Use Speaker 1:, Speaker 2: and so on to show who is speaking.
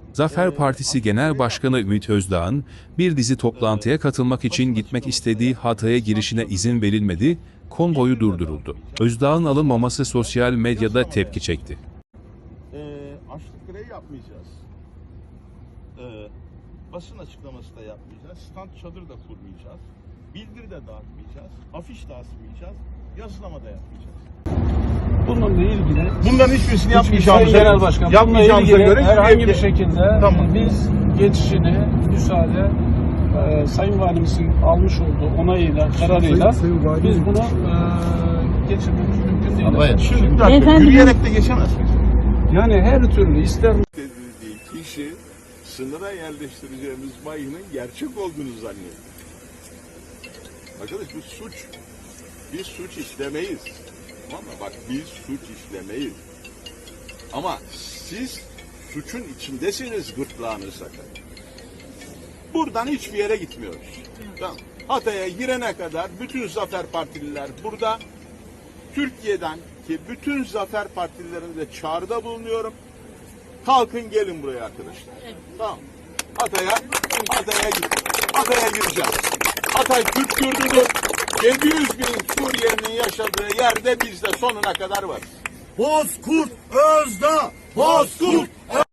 Speaker 1: Zafer Partisi Genel Başkanı Ümit Özdağ'ın bir dizi toplantıya katılmak için gitmek istediği Hatay'a girişine izin verilmedi, konvoyu durduruldu. Özdağ'ın alınmaması sosyal medyada tepki çekti.
Speaker 2: Açlık grevi yapmayacağız. Basın açıklaması da yapmayacağız. Stand çadır da kurmayacağız. Bildiri de dağıtmayacağız. Afiş de asmayacağız. Yazılama da yapmayacağız.
Speaker 3: Bununla ilgili
Speaker 2: Bunların hiçbirisini yapmayacağımıza,
Speaker 3: Genel Başkan,
Speaker 2: yapmayacağımıza
Speaker 3: bununla ilgili
Speaker 2: göre
Speaker 3: herhangi bir şekilde
Speaker 2: Tamam.
Speaker 3: biz geçişini müsaade Sayın Valimizin almış olduğu onayıyla, kararıyla biz bunu geçirmemiz mümkün değil.
Speaker 2: Ama şimdi bir dakika, yürüyerek de geçemezsiniz.
Speaker 3: Yani her türlü ister
Speaker 4: Dediği kişi sınıra yerleştireceğimiz mayının gerçek olduğunu zannediyor. Arkadaş bu suç. Biz suç işlemeyiz. Tamam mı? Bak biz suç işlemeyiz. Ama siz suçun içindesiniz, gırtlağını sakın. Buradan hiçbir yere gitmiyoruz. Tamam. Hatay'a girene kadar bütün Zafer Partililer burada. Türkiye'den ki bütün Zafer Partililerine de çağrıda bulunuyorum. Kalkın gelin buraya arkadaşlar. Tamam. Hatay'a gireceğiz. Hatay Türk yurdudur. 700 bin Suriyelinin yaşadığı yerde biz de sonuna kadar varız.
Speaker 5: Bozkurt Özdağ! Bozkurt